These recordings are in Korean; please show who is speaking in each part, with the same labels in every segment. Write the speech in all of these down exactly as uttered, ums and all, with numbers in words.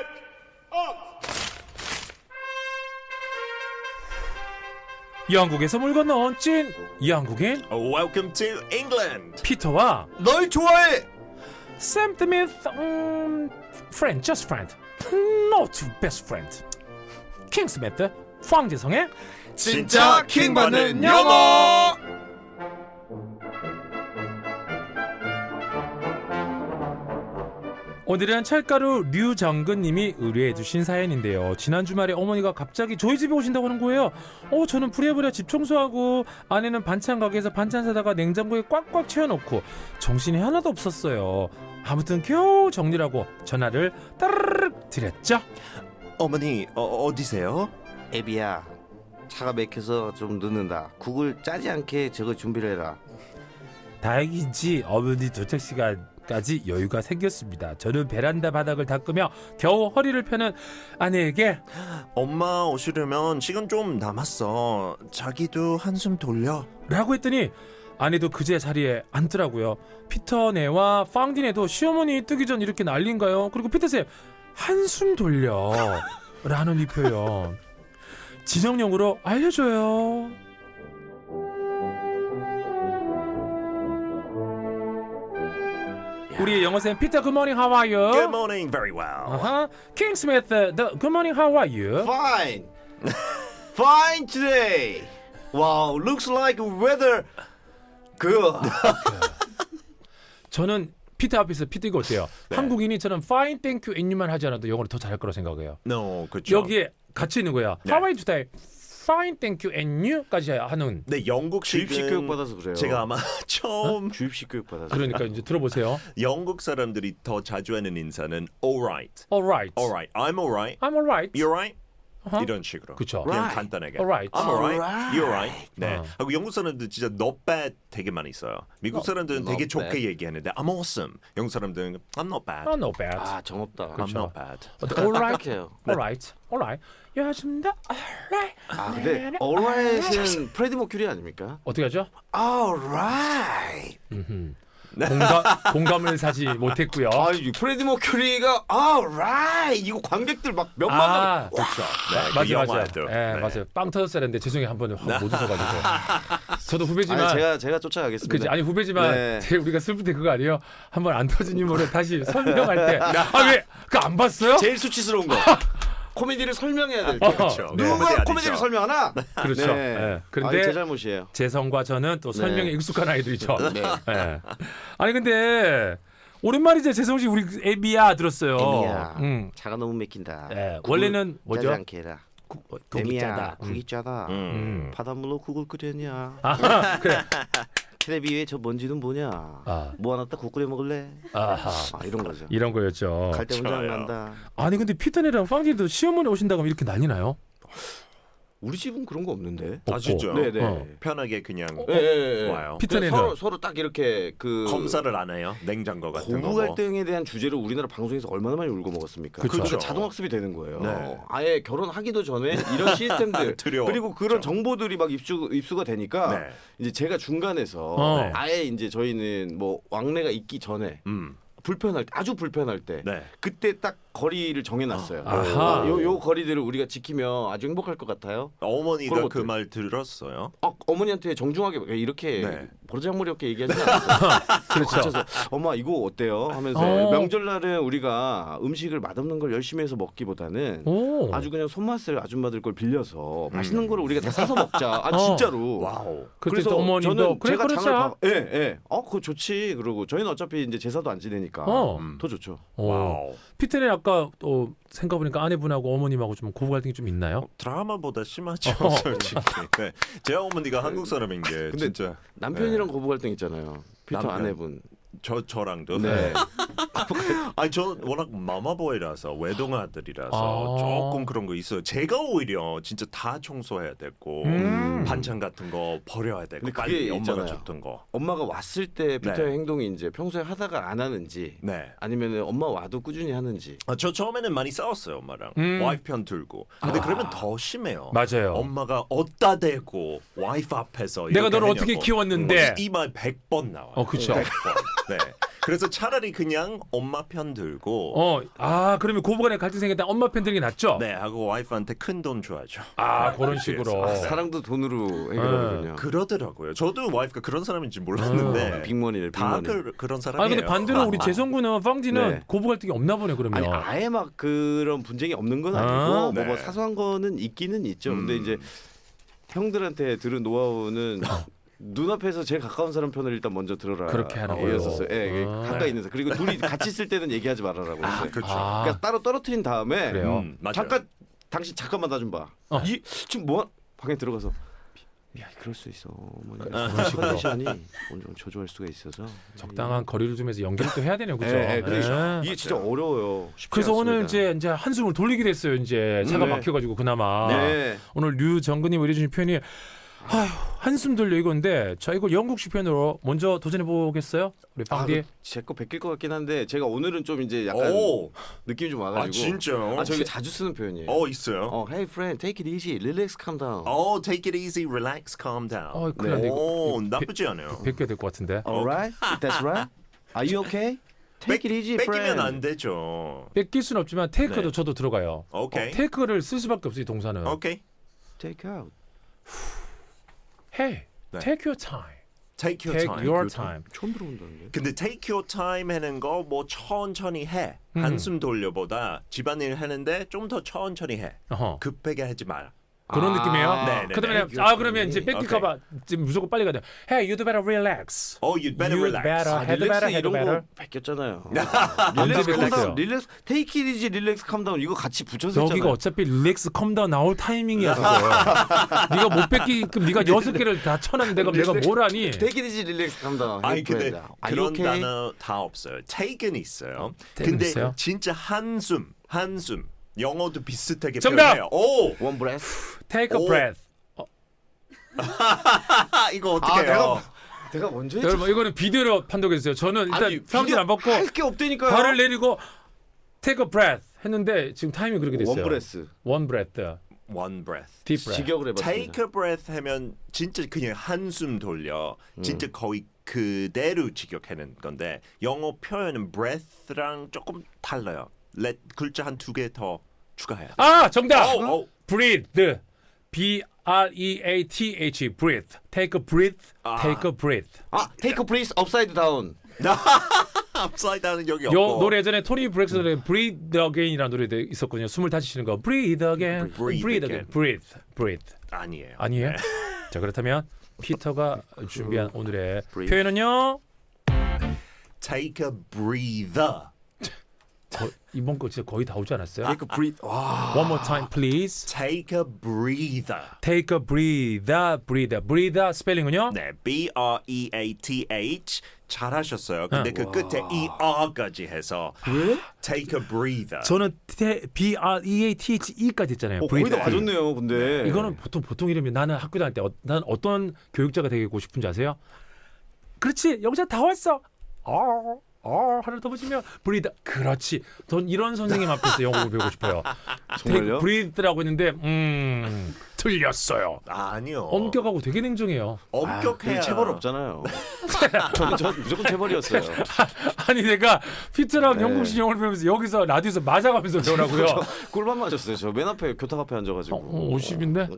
Speaker 1: 영국에서 물 건너온 찐 영국인
Speaker 2: Welcome to England.
Speaker 1: 피터와
Speaker 2: 널 좋아해.
Speaker 1: 샘 스미스 음, friend, just friend, not best friend. 킹 스미스, 황재성의
Speaker 2: 진짜 킹 받는 영어.
Speaker 1: 오늘은 찰가루 류정근님이 의뢰해주신 사연인데요. 지난 주말에 어머니가 갑자기 저희 집에 오신다고 하는 거예요. 어, 저는 부랴부랴 집 청소하고 아내는 반찬 가게에서 반찬 사다가 냉장고에 꽉꽉 채워놓고 정신이 하나도 없었어요. 아무튼 겨우 정리하고 전화를 따르르륵 드렸죠.
Speaker 2: 어머니 어, 어디세요?
Speaker 3: 애비야, 차가 막혀서 좀 늦는다. 국을 짜지 않게 저거 준비를 해라.
Speaker 1: 다행인지 어머니 도착 시간까지 여유가 생겼습니다. 저는 베란다 바닥을 닦으며 겨우 허리를 펴는 아내에게
Speaker 2: 엄마 오시려면 시간 좀 남았어. 자기도 한숨 돌려.
Speaker 1: 라고 했더니 아내도 그제 자리에 앉더라고요. 피터네와 빵디네도 시어머니 뜨기 전 이렇게 난리인가요? 그리고 피터쌤 한숨 돌려 라는 이 표현 진영용으로 알려줘요. 우리 영어쌤 피터 good morning how are you?
Speaker 2: Good morning, very well.
Speaker 1: uh-huh. 킹 스미스 the good morning how are you?
Speaker 3: Fine, fine today. Wow, looks like weather good.
Speaker 1: 저는 피터 앞에서 피터 이거 어때요?
Speaker 2: 네.
Speaker 1: 한국인이 저는 fine, thank you, and you만 하지 않아도 영어를 더 잘할 거라 생각해요.
Speaker 2: No, 그렇죠.
Speaker 1: 여기에 같이 있는 거야.
Speaker 2: 네.
Speaker 1: How are you today? Fine, thank you, and you까지 하는.
Speaker 2: 네, 영국식은
Speaker 3: 주입식 교육 받아서 그래요.
Speaker 2: 제가 아마 처음
Speaker 3: 주입식 교육 받아서.
Speaker 1: 그러니까 이제 들어보세요.
Speaker 2: 영국 사람들이 더 자주 하는 인사는 alright,
Speaker 1: Alright.
Speaker 2: alright, I'm alright,
Speaker 1: I'm alright.
Speaker 2: you're right.
Speaker 1: 어허.
Speaker 2: 이런 식으로.
Speaker 1: 그쵸.
Speaker 2: 그냥
Speaker 3: Right.
Speaker 2: 간단하게.
Speaker 1: Alright.
Speaker 2: I'm alright,
Speaker 3: Alright.
Speaker 2: you're right. 네.
Speaker 1: 어.
Speaker 2: 하고 영국 사람들 진짜 not bad 되게 많이 써요. 미국 사람들은
Speaker 3: not
Speaker 2: 되게
Speaker 3: bad.
Speaker 2: 좋게 얘기하는데 I'm awesome. 영국 사람들은 I'm not bad.
Speaker 1: Oh, no bad.
Speaker 3: 아, 정없다.
Speaker 2: I'm not bad.
Speaker 1: Alright.
Speaker 3: 딱딱해요.
Speaker 1: Alright. Alright. 요즘도 alright.
Speaker 3: 아, 근데 alright은 프레디 머큐리 아닙니까?
Speaker 1: 어떻게 하죠?
Speaker 3: Alright.
Speaker 1: 음흠. 공감, 공감을 사지 못했고요.
Speaker 3: 아, 이 프레디 머큐리가 alright 이거 관객들 막 몇만 명.
Speaker 1: 아,
Speaker 2: 그렇죠. 네, 그
Speaker 1: 맞아요, 맞아요.
Speaker 2: 영화에도.
Speaker 1: 예,
Speaker 2: 네.
Speaker 1: 맞아요. 빵 터졌어야 했는데 죄송해요 한번 확 못 웃어가지고. 저도 후배지만.
Speaker 3: 아니, 제가 제가 쫓아가겠습니다.
Speaker 1: 그치 아니 후배지만
Speaker 3: 네.
Speaker 1: 제일 우리가 슬플 때 그거 아니에요? 한번 안 터진 유머를 다시 설명할 때 아 왜 그 안 봤어요?
Speaker 3: 제일 수치스러운 거. 코미디를 설명해야 될 때.
Speaker 1: 어,
Speaker 2: 그렇죠.
Speaker 1: 네.
Speaker 3: 누가
Speaker 2: 아니죠.
Speaker 3: 코미디를 설명하나?
Speaker 1: 그렇죠.
Speaker 3: 네.
Speaker 1: 예. 그런데
Speaker 3: 아니, 제 잘못이에요.
Speaker 1: 재성과 저는 또 설명에
Speaker 3: 네.
Speaker 1: 익숙한 아이들이죠.
Speaker 3: 네.
Speaker 1: 예. 아니 근데 오랜만이죠 재성 씨 우리 애비야 들었어요.
Speaker 3: 애미야,
Speaker 1: 응.
Speaker 3: 차가 너무 막힌다.
Speaker 1: 예.
Speaker 3: 국을
Speaker 1: 원래는 뭐죠?
Speaker 3: 짜지 않게 해라.
Speaker 1: 국, 어, 국이
Speaker 3: 애미야,
Speaker 1: 짜다.
Speaker 3: 국이
Speaker 1: 음.
Speaker 3: 짜다.
Speaker 2: 음.
Speaker 1: 음.
Speaker 3: 바닷물로 국을 끓였냐?
Speaker 1: 아하, 그래.
Speaker 3: 테레비 위에 저 먼지는 뭐냐?
Speaker 1: 아.
Speaker 3: 모아놨다 국 끓여 먹을래?
Speaker 1: 아하.
Speaker 3: 아, 이런 거죠.
Speaker 1: 이런 거였죠.
Speaker 3: 갈 때 혼자 안
Speaker 2: 좋아요.
Speaker 3: 간다.
Speaker 1: 아니 근데 피터네랑 빵디도 시어머니 오신다고 하면 이렇게 난리 나요?
Speaker 3: 우리 집은 그런 거 없는데.
Speaker 2: 아 진짜.
Speaker 3: 네네.
Speaker 1: 어.
Speaker 2: 편하게 그냥
Speaker 3: 예, 예, 예.
Speaker 2: 와요.
Speaker 1: 피터네는
Speaker 3: 서로 서로 딱 이렇게 그
Speaker 2: 검사를 안 해요. 냉장고 같은 거.
Speaker 3: 고부
Speaker 2: 뭐.
Speaker 3: 갈등에 대한 주제를 우리나라 방송에서 얼마나 많이 울고 먹었습니까?
Speaker 1: 그쵸.
Speaker 3: 그러니까 자동 학습이 되는 거예요.
Speaker 2: 네.
Speaker 3: 아예 결혼하기도 전에 이런 시스템들
Speaker 2: 두려워.
Speaker 3: 그리고 그런 정보들이 막 입수 입수가 되니까
Speaker 2: 네.
Speaker 3: 이제 제가 중간에서
Speaker 1: 어.
Speaker 2: 네.
Speaker 3: 아예 이제 저희는 뭐 왕래가 있기 전에
Speaker 2: 음.
Speaker 3: 불편할 때 아주 불편할 때
Speaker 2: 네.
Speaker 3: 그때 딱 거리를 정해놨어요.
Speaker 1: 아하.
Speaker 3: 요, 요 거리들을 우리가 지키면 아주 행복할 것 같아요.
Speaker 2: 어머니가
Speaker 3: 그런
Speaker 2: 그
Speaker 3: 것들.
Speaker 2: 말 들었어요.
Speaker 3: 어, 어머니한테 정중하게 이렇게
Speaker 2: 네.
Speaker 3: 버르장머리 없게 얘기하지 않았어요.
Speaker 1: 그렇죠.
Speaker 3: 갇혀서 엄마 이거 어때요? 하면서
Speaker 1: 어.
Speaker 3: 명절날은 우리가 음식을 맛없는 걸 열심히 해서 먹기보다는
Speaker 1: 오.
Speaker 3: 아주 그냥 손맛을 아줌마들 걸 빌려서
Speaker 2: 음.
Speaker 3: 맛있는 거를 우리가 다 사서 먹자. 아
Speaker 1: 어.
Speaker 3: 진짜로.
Speaker 2: 와우.
Speaker 1: 그래서 어머님도
Speaker 3: 저는
Speaker 1: 그래
Speaker 3: 제가
Speaker 1: 그렇죠.
Speaker 3: 장을 봐. 예, 예. 어, 그거 좋지. 그러고 저희는 어차피 이제 제사도 안 지내니까
Speaker 1: 어.
Speaker 2: 음.
Speaker 3: 더 좋죠.
Speaker 1: 오.
Speaker 2: 와우.
Speaker 1: 피터네 아까 어, 생각해보니까 아내분하고 어머님하고 좀 고부 갈등이 좀 있나요?
Speaker 2: 드라마보다 심하죠,
Speaker 1: 어.
Speaker 2: 솔직히. 네. 제 어머니가 한국 사람인 게
Speaker 3: 근데
Speaker 2: 진짜
Speaker 3: 남편이랑 고부 갈등 있잖아요. 피터
Speaker 2: 남편.
Speaker 3: 아내분.
Speaker 2: 저 저랑도.
Speaker 3: 네.
Speaker 2: 아니 저 워낙 마마보이라서 외동아들이라서
Speaker 1: 아.
Speaker 2: 조금 그런 거 있어요. 제가 오히려 진짜 다 청소해야 되고
Speaker 1: 음.
Speaker 2: 반찬 같은 거 버려야 되고
Speaker 3: 근데
Speaker 2: 빨리
Speaker 3: 그게
Speaker 2: 엄마가
Speaker 3: 있잖아요.
Speaker 2: 줬던 거.
Speaker 3: 엄마가 왔을 때 피터의
Speaker 2: 네.
Speaker 3: 행동이 이제 평소에 하다가 안 하는지
Speaker 2: 네.
Speaker 3: 아니면 엄마 와도 꾸준히 하는지.
Speaker 2: 아, 저 처음에는 많이 싸웠어요 엄마랑.
Speaker 1: 음.
Speaker 2: 와이프 편 들고. 근데
Speaker 3: 아.
Speaker 2: 그러면 더 심해요.
Speaker 1: 맞아요.
Speaker 2: 엄마가 어디다 대고 와이프 앞에서
Speaker 1: 내가
Speaker 2: 이렇게
Speaker 1: 너를 어떻게
Speaker 2: 하냐고.
Speaker 1: 키웠는데.
Speaker 2: 이 말 백 번 나와요.
Speaker 1: 어, 그쵸.
Speaker 2: 백 번. 네. 그래서 차라리 그냥 엄마 편 들고
Speaker 1: 어, 아 그러면 고부간에 갈등 생겼다 엄마 편 드는 게 낫죠?
Speaker 2: 네 하고 와이프한테 큰 돈 줘야죠.
Speaker 1: 아 그런 식으로.
Speaker 3: 아, 사랑도 돈으로 해결하거든요.
Speaker 2: 그러더라고요. 저도 와이프가 그런 사람인지 몰랐는데
Speaker 3: 빅머니를
Speaker 2: 다
Speaker 3: 빅머니.
Speaker 2: 그, 그런 사람이에요.
Speaker 1: 아 근데 반대로 우리 재성군은 펑디는
Speaker 3: 네.
Speaker 1: 고부 갈등이 없나 보네 그러면.
Speaker 3: 아니 아예 막 그런 분쟁이 없는 건 아니고
Speaker 1: 아,
Speaker 3: 뭐, 뭐
Speaker 2: 네.
Speaker 3: 사소한 거는 있기는 있죠. 근데
Speaker 2: 음.
Speaker 3: 이제 형들한테 들은 노하우는 눈앞에서 제일 가까운 사람 편을 일단 먼저 들어라.
Speaker 1: 그렇게 하라고요?
Speaker 3: 였었어요. 예, 예,
Speaker 1: 아.
Speaker 3: 가까이 있는 사람. 그리고 둘이 같이 있을 때는 얘기하지 말아라고
Speaker 2: 아,
Speaker 3: 했어요.
Speaker 2: 그렇죠.
Speaker 1: 아.
Speaker 3: 그러니까 따로 떨어뜨린 다음에
Speaker 1: 그래요?
Speaker 2: 음, 맞아요.
Speaker 3: 잠깐 당신 잠깐만 나 좀 봐.
Speaker 1: 어.
Speaker 3: 이 지금 뭐 방에 들어가서 야 그럴 수 있어. 어머니
Speaker 1: 그런 식으로.
Speaker 3: 컨디션이 오늘 좀 저조할 수가 있어서
Speaker 1: 적당한 거리를 두면서 연기를 또 해야 되네요, 그죠?
Speaker 3: 예, 예, 그렇죠.
Speaker 1: 네.
Speaker 3: 이게 진짜 어려워요. 쉽지
Speaker 1: 그래서 오늘
Speaker 3: 않습니다.
Speaker 1: 이제 이제 한숨을 돌리게 됐어요. 이제 차가
Speaker 3: 네.
Speaker 1: 막혀가지고 그나마
Speaker 3: 네.
Speaker 1: 오늘 류정근님 의뢰주신 표현이 아휴 한숨 돌려 이건데 저 이거 영국식 표현으로 먼저 도전해 보겠어요, 우리
Speaker 3: 아,
Speaker 1: 방디.
Speaker 3: 제거 베낄 것 같긴 한데 제가 오늘은 좀 이제 약간
Speaker 2: 오,
Speaker 3: 느낌이 좀
Speaker 2: 아
Speaker 3: 와가지고.
Speaker 2: 진짜요?
Speaker 3: 아 저희 자주 쓰는 표현이에요.
Speaker 2: 어 있어요.
Speaker 3: 어, hey friend, take it easy, relax, calm down.
Speaker 2: 어, take it easy, relax, calm down.
Speaker 1: 어, 큰일 났네, 이거.
Speaker 2: 오,
Speaker 1: 이거
Speaker 2: 나쁘지 않아요.
Speaker 1: 뵙게 될 것 같은데.
Speaker 3: Alright, that's right. Are you okay? Take it easy, friend.
Speaker 2: 뺏기면 안 되죠.
Speaker 1: 뺏길 수는 없지만 테이크도
Speaker 2: 네.
Speaker 1: 저도 들어가요.
Speaker 2: 오케이.
Speaker 1: 어, 테이크를 쓸 수밖에 없어요, 이 동사는.
Speaker 2: 오케이.
Speaker 3: Take out.
Speaker 1: Hey,
Speaker 2: 네.
Speaker 1: take your time.
Speaker 2: Take your
Speaker 1: Take
Speaker 2: time.
Speaker 1: your time.
Speaker 3: 처음 들어본다는데.
Speaker 2: 근데 take your time 하는 거 뭐 천천히 해.
Speaker 1: 음.
Speaker 2: 한숨 돌려보다 집안일 하는데 좀 더 천천히 해.
Speaker 1: 어허.
Speaker 2: 급하게 하지 마라.
Speaker 1: 그런
Speaker 3: 아,
Speaker 1: 느낌이에요.
Speaker 2: 네, 네,
Speaker 1: 그러면
Speaker 2: 네.
Speaker 1: 아 그러면 이제 뺏길까봐 지금 무조건 빨리 가야 돼. Hey, you'd better relax.
Speaker 2: Oh, you'd better
Speaker 1: You'd
Speaker 2: relax.
Speaker 1: better.
Speaker 3: 아,
Speaker 1: head
Speaker 3: 릴렉스
Speaker 1: better, head
Speaker 3: 이런
Speaker 1: better.
Speaker 3: 거 베꼈잖아요.
Speaker 1: 언제
Speaker 3: 릴렉스
Speaker 1: 뺏겼어요?
Speaker 3: 컴다운, 릴렉스 테이크 it easy, 릴렉스 컴다운 이거 같이 붙여서
Speaker 1: 여기가
Speaker 3: 했잖아요.
Speaker 1: 어차피 릴렉스 컴다운 나올 타이밍이야 그거. 네가 못 뺏기끔 네가 여섯 개를 다 쳐놨는데 내가 내가 뭘 하니?
Speaker 3: Take it easy, 릴렉스 컴다운.
Speaker 2: 아니 근데 그런
Speaker 3: okay?
Speaker 2: 단어 다 없어요. take는 있어요.
Speaker 1: take는
Speaker 2: 근데
Speaker 1: 있어요?
Speaker 2: 진짜 한숨, 한숨. 영어도 비슷하게
Speaker 1: 정답!
Speaker 2: 표현해요. 오,
Speaker 3: One breath.
Speaker 1: Take a
Speaker 2: 오.
Speaker 1: breath.
Speaker 2: 아, 이거 어떻게
Speaker 3: 아,
Speaker 2: 해요?
Speaker 3: 내가 내가 먼저 했지.
Speaker 1: 여러분 이거는 비디오로 판독해 주세요. 저는 일단 평균 안 받고
Speaker 3: 할게 없다니까요.
Speaker 1: 발을 내리고 take a breath 했는데 지금 타이밍이 그렇게 됐어요.
Speaker 3: 원 브레스.
Speaker 1: One breath.
Speaker 2: One breath.
Speaker 1: Deep breath.
Speaker 3: 직역을 해봤습니다.
Speaker 2: Take a breath 하면 진짜 그냥 한숨 돌려. 진짜
Speaker 3: 음.
Speaker 2: 거의 그대로 직역하는 건데 영어 표현은 breath랑 조금 달라요. let 글자 한 두 개 더 추가해요.
Speaker 1: 아 정답.
Speaker 2: 오, 오.
Speaker 1: breathe. B R E A T H. breathe. Take a breath.
Speaker 2: 아.
Speaker 1: Take a breath.
Speaker 3: 아, take a breath upside down.
Speaker 2: upside down은 여기
Speaker 1: 요
Speaker 2: 없고.
Speaker 1: 노래 예전에 토니 브렉스의 Breathe Again이라는 노래 있었거든요. 숨을 다시 쉬는 거. Breathe Again.
Speaker 2: Breathe
Speaker 1: Breathe
Speaker 2: again.
Speaker 1: Again. Breathe. Breathe.
Speaker 2: 아니에요.
Speaker 1: 아니에요? 자 그렇다면 피터가 준비한 오늘의
Speaker 3: Breathe.
Speaker 1: 표현은요.
Speaker 2: Take a breather.
Speaker 1: 거, 이번 거 진짜 거의 다 오지 않았어요?
Speaker 3: Take a breath. 와.
Speaker 1: One more time, please.
Speaker 2: Take a breather.
Speaker 1: Take a breather, breather, breather 스펠링은요?
Speaker 2: 네, B R E A T H 잘하셨어요. 근데
Speaker 1: 어.
Speaker 2: 그 끝에 E R까지 해서
Speaker 3: 왜?
Speaker 2: Take a breather.
Speaker 1: 저는 테, B R E A T H E까지 했잖아요.
Speaker 3: 어, 거의 다
Speaker 1: breather.
Speaker 3: 맞았네요. 근데
Speaker 1: 이거는 보통 보통 이름이 나는 학교 다닐 때 어, 난 어떤 교육자가 되고 싶은지 아세요? 그렇지 여기서 다 왔어. 어, 어 하나 더 보시면 breathe. 그렇지. 전 이런 선생님 앞에서 영어를 배우고 싶어요.
Speaker 3: 정말요?
Speaker 1: breathe라고 했는데 음 틀렸어요.
Speaker 2: 아니요.
Speaker 1: 엄격하고 되게 냉정해요.
Speaker 2: 엄격해야.
Speaker 3: 아, 체벌 없잖아요. 저는 저 무조건 체벌이었어요.
Speaker 1: 아니 내가 피트랑
Speaker 3: 네.
Speaker 1: 영국식 영어를 배우면서 여기서 라디오에서 맞아가면서 배우라고요.
Speaker 3: 저 꿀밤 맞았어요. 저 맨 앞에 교탁 앞에 앉아가지고.
Speaker 1: 어, 어, 오십인데?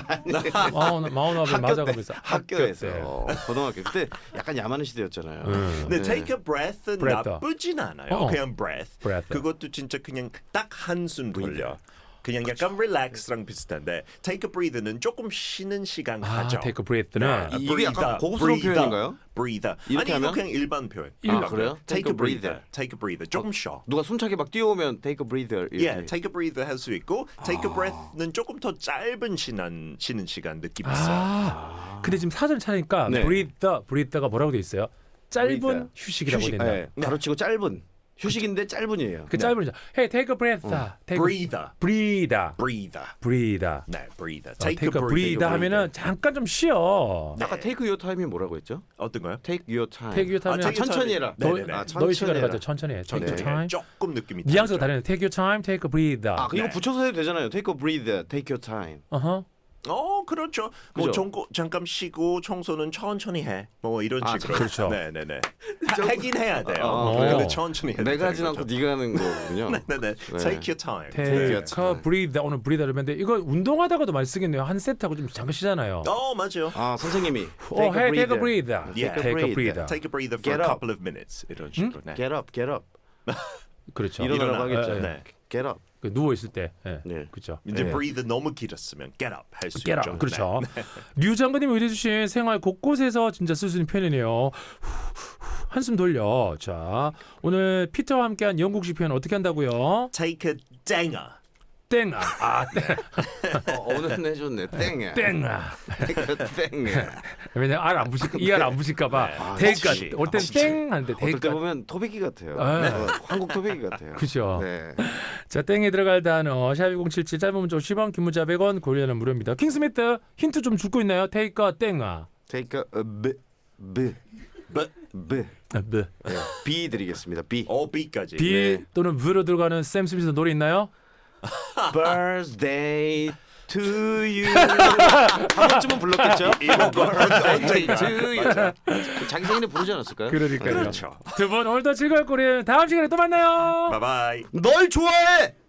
Speaker 1: 마흔 마흔 앞에 맞아가면서
Speaker 3: 학교에서
Speaker 1: 때.
Speaker 3: 어, 고등학교 그때 약간 야만의 시대였잖아요.
Speaker 1: 음.
Speaker 2: 근데
Speaker 3: 네.
Speaker 2: take a breath는
Speaker 1: breath.
Speaker 2: 나쁘진 않아요.
Speaker 1: 어.
Speaker 2: 그냥 breath.
Speaker 1: breath.
Speaker 2: 그것도 진짜 그냥 딱 한숨 돌려. 그냥 약간 relax랑 비슷한데 take a breather는 조금 쉬는 시간
Speaker 1: 아,
Speaker 2: 가져.
Speaker 1: take a breath는
Speaker 3: 이- 이게 약간 고급스러운 표현인가요?
Speaker 2: breather.
Speaker 3: 이렇게
Speaker 2: 아니 이거
Speaker 3: 하면?
Speaker 2: 그냥 일반 표현.
Speaker 1: 일-
Speaker 3: 아, 그래요?
Speaker 2: Take a breather. Take a breather. 조금 쉬어.
Speaker 3: 누가 숨차게 막 뛰어오면 take a breather 이렇게.
Speaker 2: 예, take a breather 할 수 있고 take a breath는 조금 더 짧은 쉬는 쉬는 시간 느낌 있어요.
Speaker 1: 아, 근데 지금 사전 차니까
Speaker 3: 네.
Speaker 1: breathe, breathe가 뭐라고 돼 있어요? 짧은
Speaker 3: breather.
Speaker 1: 휴식이라고
Speaker 3: 휴식.
Speaker 1: 된다.
Speaker 3: 예, 가로치고 짧은 휴식인데 짧은이에요.
Speaker 1: 그 짧은 Hey, take a breath. Take a
Speaker 2: breather.
Speaker 1: breather.
Speaker 2: breather.
Speaker 1: breather.
Speaker 2: 네, breather.
Speaker 1: 어,
Speaker 2: take,
Speaker 1: take a breather 하면은 잠깐 좀 쉬어.
Speaker 3: 아까 take your time이 뭐라고 했죠?
Speaker 2: 어떤 거요?
Speaker 3: take your time.
Speaker 1: take your time.
Speaker 2: 아, take your
Speaker 3: 천천히
Speaker 2: time.
Speaker 3: 해라.
Speaker 2: 네,
Speaker 1: 너,
Speaker 2: 네, 네.
Speaker 3: 아,
Speaker 1: 너의
Speaker 3: 천천히
Speaker 1: 시간을
Speaker 3: 해라.
Speaker 1: 가져. 천천히 해. take your
Speaker 3: 네.
Speaker 1: time.
Speaker 2: 조금 느낌이
Speaker 1: 뉘앙스가
Speaker 2: 다르죠.
Speaker 1: 다르네. Take your time, take a breather.
Speaker 3: 아, 이거
Speaker 2: 네.
Speaker 3: 붙여서 해도 되잖아요. take a breather, take your time.
Speaker 1: 어허.
Speaker 2: 어, 그렇죠. 뭐
Speaker 3: 그죠?
Speaker 2: 정고, 잠깐 쉬고 청소는 천천히 해. 뭐 이런
Speaker 3: 아,
Speaker 2: 식으로.
Speaker 1: 그렇죠.
Speaker 2: 네, 네, 네. 하긴 해야 돼요.
Speaker 3: 어,
Speaker 1: 어.
Speaker 2: 근데 천천히 해야
Speaker 3: 내가 하진
Speaker 2: 되는
Speaker 3: 않고
Speaker 2: 거죠.
Speaker 3: 네가 하는 거군요.
Speaker 2: 네, 네. Take your time.
Speaker 1: Take
Speaker 3: 네.
Speaker 1: a breathe. 오늘 breathe 하려면 이거 운동하다가도 많이 쓰겠네요. 한 세트하고 좀 잠깐 쉬잖아요.
Speaker 2: 어, 맞아요.
Speaker 3: 아 선생님이
Speaker 1: 어, 해, take a breathe.
Speaker 2: Yeah.
Speaker 1: Take a breathe.
Speaker 2: Take a breather for
Speaker 3: Get
Speaker 2: a
Speaker 3: up.
Speaker 2: couple of minutes. 이런 식으로. 네.
Speaker 3: Get up, get up.
Speaker 1: 그렇죠.
Speaker 3: 일어나라고
Speaker 2: 일어나.
Speaker 3: 하겠죠.
Speaker 2: 네.
Speaker 3: Get up.
Speaker 1: 그 누워 있을 때. 예.
Speaker 3: 네.
Speaker 1: 그렇죠.
Speaker 2: 이제
Speaker 3: 네.
Speaker 2: breathe 너무 길었으면 get up 할 수
Speaker 1: 깨라.
Speaker 2: 있죠.
Speaker 1: 그렇죠.
Speaker 2: 네.
Speaker 1: 류 장관님이 의뢰주신 생활 곳곳에서 진짜 쓸 수 있는 표현이네요. 후, 후, 한숨 돌려. 자, 오늘 피터와 함께한 영국식 표현 어떻게 한다고요?
Speaker 2: Take a danger.
Speaker 1: 땡아. 아, 땡.
Speaker 3: 어, 오늘 해줬네. 땡이야.
Speaker 1: 땡아.
Speaker 3: 땡이야.
Speaker 1: 왜냐면 알 안 붙일 이알 안 붙일까봐.
Speaker 2: 네.
Speaker 1: 대가
Speaker 2: 혹시,
Speaker 1: 올땐
Speaker 2: 혹시.
Speaker 1: 땡 하는데
Speaker 3: 어떨 때
Speaker 1: 대가.
Speaker 3: 보면 토백이 같아요.
Speaker 1: 네.
Speaker 3: 어, 한국 토백이 같아요.
Speaker 1: 그죠.
Speaker 3: 네.
Speaker 1: 자, 땡에 들어갈 단어 샵일공칠칠 짧은 문자 오십 원 긴 문자 백 원 고려는 무료입니다. 킹스미트 힌트 좀 줄거 있나요? 테이크 땡아.
Speaker 3: Take a B B
Speaker 2: But
Speaker 3: B
Speaker 1: 아, 뭐.
Speaker 3: 네. B 드리겠습니다. B.
Speaker 2: 어 B까지.
Speaker 1: 비
Speaker 3: 네.
Speaker 1: 또는 브로 들어가는 샘 스미스 노래 있나요?
Speaker 3: Birthday to you. 한 번쯤은 불렀겠죠?
Speaker 2: 이런 거 언젠가.
Speaker 3: to you. 자기 생일에 부르지 않았을까요?
Speaker 1: 그러니까요.
Speaker 2: 그렇죠.
Speaker 1: 두 분 오늘도 즐거울 거리 다음 시간에 또 만나요.
Speaker 2: Bye bye.
Speaker 3: 널 좋아해.